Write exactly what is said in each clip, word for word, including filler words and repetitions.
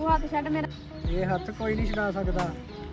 ਤੂੰ ਹੱਥ ਛੱਡ ਮੇਰਾ। ਇਹ ਹੱਥ ਕੋਈ ਨਹੀਂ ਛਡਾ ਸਕਦਾ।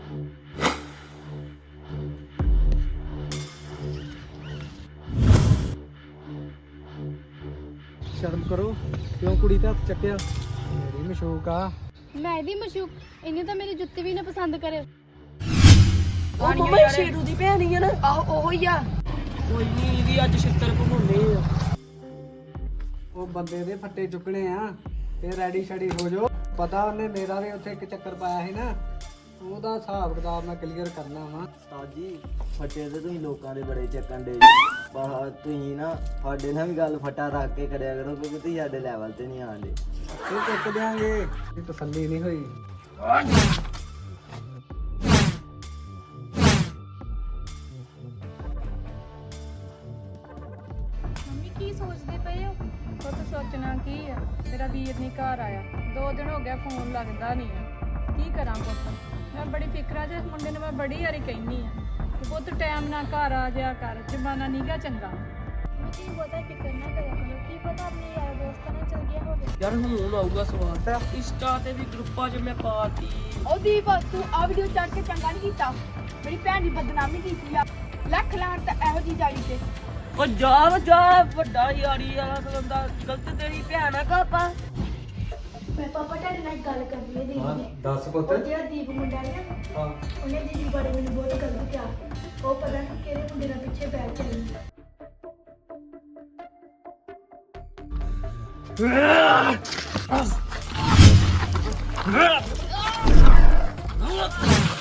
ਸ਼ਰਮ ਕਰੋ, ਕਿਉਂ ਕੁੜੀ ਤੇ ਹੱਥ ਚੱਕਿਆ? ਮੇਰੀ ਮਸ਼ੂਕ ਆ। ਮੈਂ ਇਹਦੀ ਮਸ਼ੂਕ, ਇਹਨੇ ਤਾਂ ਮੇਰੀ ਜੁੱਤੀ ਵੀ ਨਾ ਪਸੰਦ ਕਰੇ। ਉਹ ਮੰਮਾ ਸ਼ੇਰੂ ਦੀ ਭੈਣ ਹੀ ਆ ਨਾ। ਆਹੋ ਉਹੋ ਹੀ ਆ। ਕੋਈ ਨਹੀਂ, ਇਹਦੀ ਅੱਜ ਛਿੱਤਰ ਘੁਮਾਉਣੇ ਆ। ਉਹ ਬੰਦੇ ਦੇ ਫੱਟੇ ਚੁੱਕਣੇ ਆ ਤੇ ਰੈਡੀ ਸ਼ੈਡੀ ਹੋ ਜਾਓ। ਪਤਾ ਉਹਨੇ ਮੇਰਾ ਵੀ ਉੱਥੇ ਇੱਕ ਚੱਕਰ ਪਾਇਆ ਸੀ ਨਾ, ਉਹਦਾ ਹਿਸਾਬ ਕਿਤਾਬ ਮੈਂ ਕਲੀਅਰ ਕਰਨਾ ਵਾ। ਉਸਤਾਦ ਜੀ ਫੱਟੇ ਤੇ ਤੁਸੀਂ ਲੋਕਾਂ ਦੇ ਬੜੇ ਚੱਕਣ ਦੇ ਬਾਹਰ, ਤੁਸੀਂ ਨਾ ਸਾਡੇ ਨਾਲ ਵੀ ਗੱਲ ਫੱਟਾ ਰੱਖ ਕੇ ਕਰਿਆ ਕਰੋ, ਕਿਉਂਕਿ ਤੁਸੀਂ ਸਾਡੇ ਲੈਵਲ ਤੇ ਨਹੀਂ ਆਉਂਦੇ। ਇਹ ਚੁੱਕ ਦਿਆਂਗੇ, ਇਹ ਤਸੱਲੀ ਨਹੀਂ ਹੋਈ। ਮੰਮੀ ਕੀ ਸੋਚਦੇ ਪਏ ਹੋ? ਉਹ ਤਾਂ ਸੋਚਣਾ ਕੀ ਆ, ਮੇਰਾ ਵੀਰ ਨਹੀਂ ਘਰ ਆਇਆ, ਦੋ ਦਿਨ ਹੋ ਗਿਆ ਫੋਨ ਲੱਗਦਾ ਨਹੀਂ ਆ। ਕੀ ਕਰਾਂ ਪੁੱਤ, ਮੈਂ ਬੜੀ ਫਿਕਰਾਂ 'ਚ ਮੁੰਡੇ ਨੂੰ ਮੈਂ ਬੜੀ ਵਾਰੀ ਕਹਿੰਦੀ ਆ ਕਿ ਪੁੱਤ ਟਾਈਮ ਨਾਲ ਘਰ ਆ ਜਾਇਆ ਕਰ, ਜ਼ਮਾਨਾ ਨੀਗਾ ਚੰਗਾ। ਕੀ ਪਤਾ ਫਿਕਰ ਨਾ ਕਰਿਆ ਕਰੋ, ਕੀ ਪਤਾ ਆਪਣੇ ਯਾਰ ਦੋਸਤਾਂ ਨਾਲ ਚਲ ਗਿਆ ਹੋਵੇ। ਯਾਰ ਹੁਣ ਆਊਗਾ ਸਵਾਦ। ਇੰਸਟਾ ਤੇ ਵੀ ਗਰੁੱਪਾਂ 'ਚ ਮੈਂ ਪਾਤੀ। ਉਹ ਦੀਪ ਤੂੰ ਆ ਵੀਡੀਓ ਚੜ ਕੇ ਚੰਗਾ ਨਹੀਂ ਕੀਤਾ, ਮੇਰੀ ਭੈਣ ਦੀ ਬਦਨਾਮੀ ਕੀਤੀ ਆ। ਲੱਖ ਲਾਣ ਤਾਂ ਇਹੋ ਜੀ ਜਾੜੀ ਤੇ। ਉਹ ਜਾ ਜਾ, ਵੱਡਾ ਯਾਰੀ ਵਾਲਾ ਬੰਦਾ, ਗਲਤ ਤੇਰੀ ਭੈਣ ਆ ਕਾਪਾ। ਮੈਂ ਪਾਪਾ ਤੁਹਾਡੇ ਨਾਲ ਇੱਕ ਗੱਲ ਕਰਨੀ ਹੈ ਦੀਪ ਨੇ। ਦੱਸ ਪੁੱਤ। ਉਹ ਜਿਹੜਾ ਦੀਪ ਮੁੰਡਾ ਹੈ ਨਾ, ਹਾਂ, ਉਹਨੇ ਦੀਦੀ ਬਾਰੇ ਮੈਨੂੰ ਬਹੁਤ ਗਲਤ ਕਿਹਾ। ਉਹ ਪਤਾ ਨਹੀਂ ਕਿਹੜੇ ਮੁੰਡੇ ਨਾਲ ਪਿੱਛੇ ਪੈ ਚੱਲੀ। Ah!